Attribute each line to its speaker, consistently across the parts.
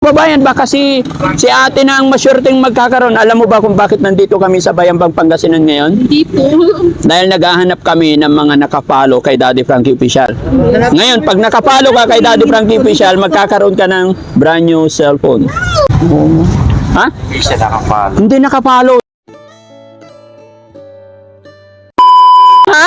Speaker 1: Babayan, baka si ate na ang masyurting magkakaroon. Alam mo ba kung bakit nandito kami sa Bayambang Pangasinan ngayon?
Speaker 2: Hindi po.
Speaker 1: Dahil naghahanap kami ng mga nakapalo kay Daddy Frankie Official. Ngayon, pag nakapalo ka kay Daddy Frankie Official, magkakaroon ka ng brand new cellphone. Ha?
Speaker 3: Hindi siya nakapalo.
Speaker 1: Hindi nakapalo. Ha?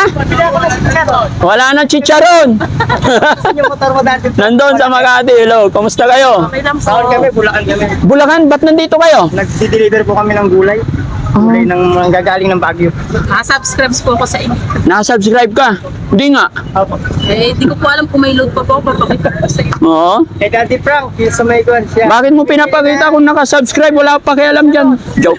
Speaker 1: Wala na chicharon.
Speaker 3: Yung motor mo dati.
Speaker 1: Nandun sa Makati. Hello, kamusta kayo?
Speaker 3: Saan kami? Bulacan kami.
Speaker 1: Bulacan, ba't nandito kayo?
Speaker 3: Nag-deliver po kami ng gulay. Gulay ng gagaling ng Baguio.
Speaker 2: Subscribes po ako sa inyo.
Speaker 1: Nakasubscribe ka? Hindi nga.
Speaker 3: Opo.
Speaker 2: Di ko po alam kung may load pa po. Papakita ko sa inyo.
Speaker 1: Oo.
Speaker 3: Eh, Daddy Frank, yung sa may kuwan siya.
Speaker 1: Bakit mo pinapakita kung nakasubscribe? Wala pa pakialam dyan. Joke.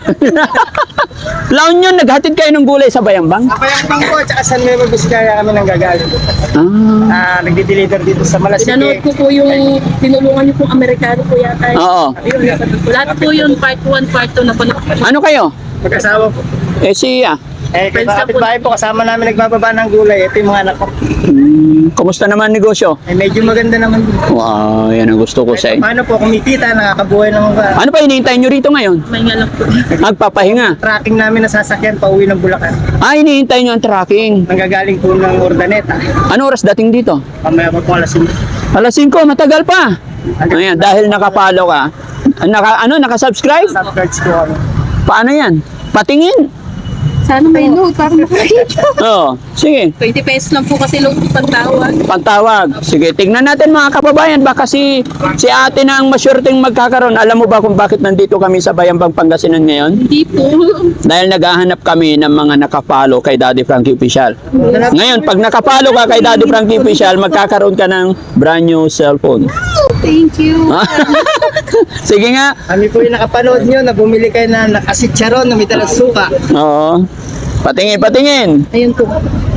Speaker 1: Laon yun, naghatid kayo ng gulay sa Bayambang?
Speaker 3: Ako yung bangko, tsaka San Nuevo Vizcaya kami ng gagaling. Nagdi-deliver dito sa
Speaker 2: Pinanood
Speaker 3: Malasike.
Speaker 2: ko po yung tinulungan niyo pong Amerikano po yata.
Speaker 1: Oo.
Speaker 2: Lahat po yun, part 1, part 2 na panood ko.
Speaker 1: Ano kayo?
Speaker 3: Magkasawa po.
Speaker 1: Siya.
Speaker 3: Friends na po. Kapit-bahay po, kasama namin nagbababa ng gulay. Ito yung mga anak ko.
Speaker 1: Kumusta naman negosyo?
Speaker 3: Medyo maganda naman.
Speaker 1: Wow, yan ang gusto ko sa inyo.
Speaker 3: Paano po kumikita, nakakabuhay ng
Speaker 1: Ano pa hinihintay nyo rito ngayon?
Speaker 2: May nga lang po.
Speaker 1: Magpapahinga.
Speaker 3: tracking namin na sasakyan pauwi ng Bulacan.
Speaker 1: Hinihintay nyo ang tracking.
Speaker 3: Nanggagaling po ng Ordaneta.
Speaker 1: Ano oras dating dito?
Speaker 3: Pamaya po alas 5.
Speaker 1: Alas 5, matagal pa. Ayan, dahil nakapalo ka. Nakasubscribe?
Speaker 3: Subcards po kami.
Speaker 1: Paano yan? Patingin.
Speaker 2: Sana may load para makakita.
Speaker 1: Oo, sige.
Speaker 2: 20 pesos lang po kasi load pang tawag.
Speaker 1: Pantawag. Sige, tignan natin mga kababayan. Baka si ate na ang masyurting magkakaroon. Alam mo ba kung bakit nandito kami sa Bayambang Pangasinan ngayon?
Speaker 2: Hindi po.
Speaker 1: Dahil naghahanap kami ng mga nakapalo kay Daddy Frankie Official. Ngayon, pag nakapalo ka kay Daddy Frankie Official, magkakaroon ka ng brand new cellphone.
Speaker 2: Thank you.
Speaker 1: Sige nga.
Speaker 3: Kami po yung nakapanood nyo na bumili kayo na nakasitsaron na may dalang suka.
Speaker 1: Oo. Patingin, patingin.
Speaker 2: Ayun po.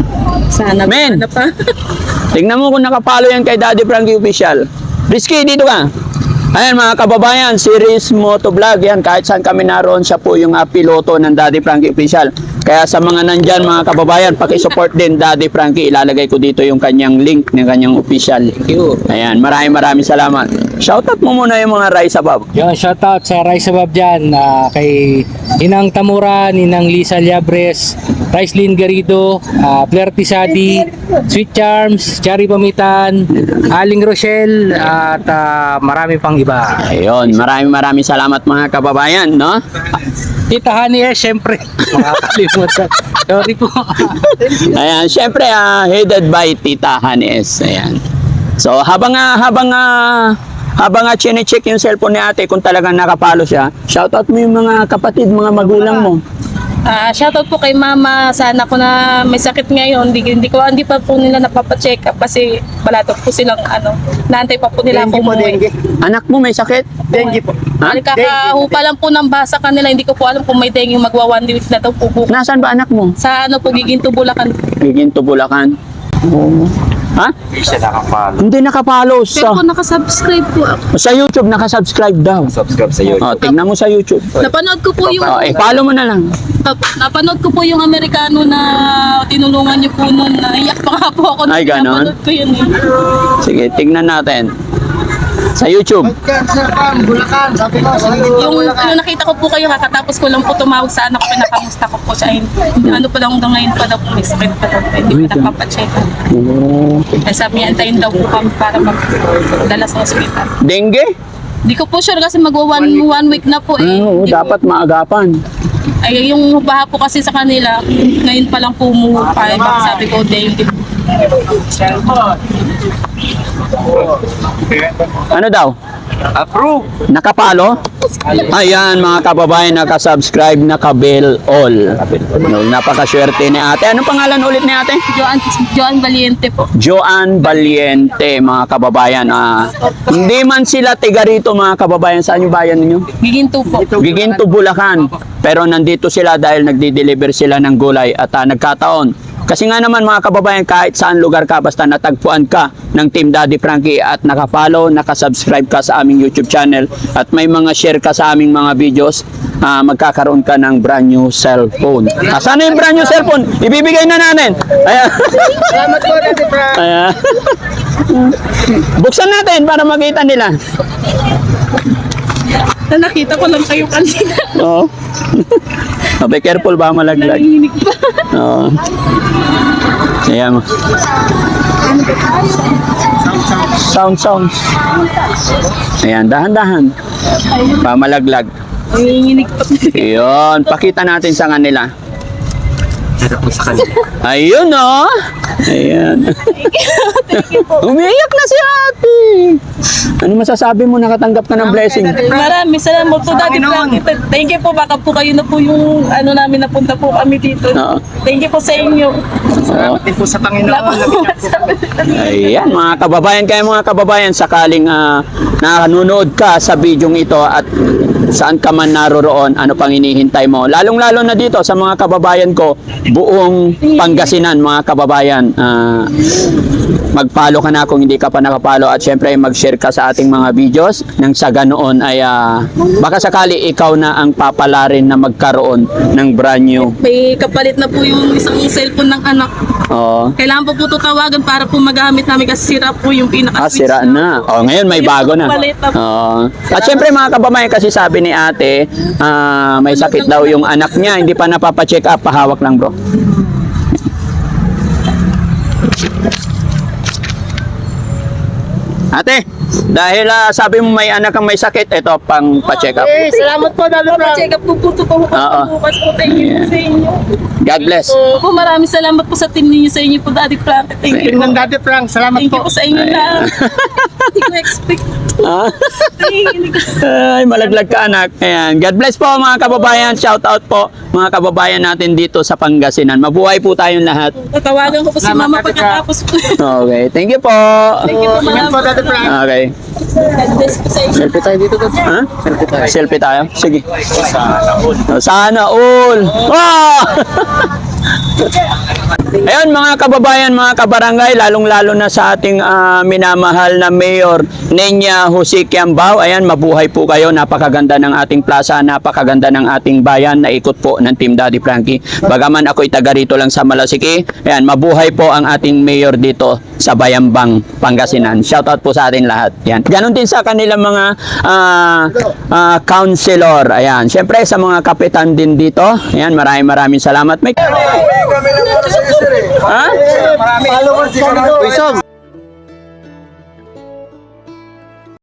Speaker 2: Sana
Speaker 1: Men.
Speaker 2: na pa.
Speaker 1: Tingnan mo kung nakapalo yan kay Daddy Frankie Official. Rizky, dito ka. Ayan mga kababayan, series motovlog yan. Kahit saan kami naroon, siya po yung piloto ng Daddy Frankie Official. Kaya sa mga nandyan mga kababayan, pakisupport din Daddy Frankie. Ilalagay ko dito yung kanyang link ng kanyang official. Ayan, maraming salamat. Shoutout mo muna yung mga Rise Above.
Speaker 4: Yun, shoutout sa Rise Above dyan, kay Inang Tamura, Ninang Lisa Liabres, Raislyn Garrido, Flair Tisadi, Sweet Charms, Chari Pamitan, Aling Rochelle, at marami pang iba.
Speaker 1: Ayun, maraming salamat mga kababayan, no?
Speaker 4: Tita Honey, syempre, makakalimutan. Sorry po.
Speaker 1: Ayan, syempre headed by Tita Hanes. Ayan. So habang chine-check yung cellphone ni ate kung talagang nakapalo siya, shoutout mo yung mga kapatid, mga magulang mo.
Speaker 2: Shoutout po kay mama. Sana ko na may sakit ngayon. Hindi pa po nila napapacheck up kasi balatot po silang naantay pa po nila
Speaker 3: Dengue
Speaker 2: akong
Speaker 3: po, dengue.
Speaker 1: Anak mo may sakit?
Speaker 3: Dengue po.
Speaker 1: Ha?
Speaker 2: Kakahupa lang po ng basa kanila. Hindi ko po alam kung may dengue magwa 1 week na daw po bukas.
Speaker 1: Nasaan ba anak mo?
Speaker 2: Sa po, Giginto, Bulacan.
Speaker 1: Giginto, Bulacan. Ha?
Speaker 3: Hindi siya nakapalo.
Speaker 1: Hindi nakapalo
Speaker 2: Pero po nakasubscribe po ako.
Speaker 1: sa YouTube, nakasubscribe daw.
Speaker 3: Subscribe sa YouTube.
Speaker 1: Tignan mo sa YouTube.
Speaker 2: Napanood ko po yung
Speaker 1: Follow mo na lang.
Speaker 2: napanood ko po yung Amerikano na tinulungan niyo po noon. Naiyak pa nga po ako.
Speaker 1: Ay, ganon?
Speaker 2: Napanood ko yun eh.
Speaker 1: Sige, tignan natin. Sa YouTube.
Speaker 3: Bulacan, sabi ko.
Speaker 2: Yung nakita ko po kayo kakatapos ko lang po tumawag sa anak ko, pinakamusta ko po siya. Ano pa lang hanggang ngayon pa daw po, may sakit pa daw. Hindi pa napapacheck. Kaya sabi niya, antayin daw po kami para magdala sa hospital.
Speaker 1: Dengue?
Speaker 2: Hindi ko po sure kasi magwa 1 week na po eh.
Speaker 1: Oo,
Speaker 2: Hindi
Speaker 1: dapat maagapan.
Speaker 2: Ay, yung baha po kasi sa kanila, ngayon pa lang po umupa. Sabi ko, dengue.
Speaker 1: Ano daw?
Speaker 3: Approve.
Speaker 1: Nakapalo? Ayan mga kababayan, nakasubscribe, nakabell all. Napakaswerte ni ate. Anong pangalan ulit ni ate?
Speaker 2: Joan Valiente po.
Speaker 1: Joan Valiente, mga kababayan. Hindi man sila tiga rito mga kababayan. Saan yung bayan ninyo?
Speaker 2: Giginto po.
Speaker 1: Giginto, Bulacan. Pero nandito sila dahil nagdi-deliver sila ng gulay at nagkataon. Kasi nga naman mga kababayan, kahit saan lugar ka, basta natagpuan ka ng Team Daddy Frankie at nakapollow, nakasubscribe ka sa aming YouTube channel at may mga share ka sa aming mga videos, magkakaroon ka ng brand new cellphone. Sana yung brand new cellphone? Ibibigay na natin. Ayan.
Speaker 3: Salamat po, Daddy Frank.
Speaker 1: Ayan. Buksan natin para makita nila.
Speaker 2: Na nakita ko lang kayo kanina.
Speaker 1: Oo. Be careful ba malaglag?
Speaker 2: Nanginginig pa.
Speaker 1: Oo. Ayan mo. Sound. Ayan, dahan-dahan. Pamalaglag.
Speaker 2: Nanginginig pa.
Speaker 1: Ayun, pakita natin sa kanila. Ayun oh. Ayan.
Speaker 2: Thank you po.
Speaker 1: Umiiyak na si ate. Ano masasabi mo nakatanggap ka ng blessing?
Speaker 2: Maraming salamat po, Daddy Frankie. Thank you po. Baka po kayo na po yung ano namin, napunta po kami dito.
Speaker 1: Oo.
Speaker 2: Thank you po sa inyo.
Speaker 3: Salamat din po sa Panginoon.
Speaker 1: Ayan, mga kababayan, sakaling nanonood ka sa bidyong ito at saan ka man naroroon, ano pang hinihintay mo. Lalong-lalo na dito sa mga kababayan ko, buong Pangasinan, mga kababayan. Mag-follow ka na kung hindi ka pa nakapalo at syempre mag-share ka sa ating mga videos nang sa ganoon ay baka sakali ikaw na ang papalarin na magkaroon ng brand new.
Speaker 2: May kapalit na po yung isang cellphone ng anak.
Speaker 1: Oh.
Speaker 2: Kailangan po po ito tawagan para po magamit namin kasi sira po yung pinaka-switch.
Speaker 1: Sira na. Oh, ngayon may bago na. Oh. At syempre mga kababayan, kasi sabi ni ate, may sakit daw yung anak niya, hindi pa napapa-check up, pahawak lang bro. Ate, dahil sabi mo may anak kang may sakit, ito pang pa-check up.
Speaker 3: Salamat po, Daddy Frank.
Speaker 2: Check up po po ito po
Speaker 1: Oo.
Speaker 2: bukas po. Thank you po sa inyo.
Speaker 1: God bless.
Speaker 2: Po, maraming salamat po sa team ninyo sa inyo po, Daddy Frankie. Thank you
Speaker 3: Team
Speaker 2: po.
Speaker 3: ng Daddy Frank, salamat
Speaker 2: Thank you
Speaker 3: po.
Speaker 2: po sa inyo na. Hindi ko expect.
Speaker 1: Ah?
Speaker 2: Nanginginig ako.
Speaker 1: Ay, malaglag ka anak. Ayan. God bless po mga kababayan. Shout out po mga kababayan natin dito sa Pangasinan. Mabuhay po tayong lahat.
Speaker 2: Tatawagan ko po si
Speaker 3: Salamat,
Speaker 2: Mama
Speaker 3: Daddy
Speaker 2: pagkatapos po.
Speaker 1: Okay, thank you po.
Speaker 2: Thank you po,
Speaker 3: Ingat po,
Speaker 2: Mama.
Speaker 3: Daddy Frank.
Speaker 1: Okay.
Speaker 2: God bless po sa inyo.
Speaker 3: Selfie tayo dito, Daddy.
Speaker 1: Ha? Selfie tayo? Sige. Sana all. Wow! Ayun mga kababayan, mga kabarangay, lalong-lalo na sa ating minamahal na Mayor Nenya Jose Quiambao. Ayan, mabuhay po kayo. Napakaganda ng ating plaza, napakaganda ng ating bayan. Naikot po ng Team Daddy Frankie. Bagaman ako'y taga rito lang sa Malasiki. Ayan, mabuhay po ang ating Mayor dito sa Bayambang, Pangasinan. Shoutout po sa atin lahat. Ayan. Ganon din sa kanilang mga councilor. Ayan, syempre sa mga kapitan din dito. Ayan, maraming salamat. May...
Speaker 3: Kami lang para sa sir eh.
Speaker 1: Ha?
Speaker 3: Marami. Followers si Isong.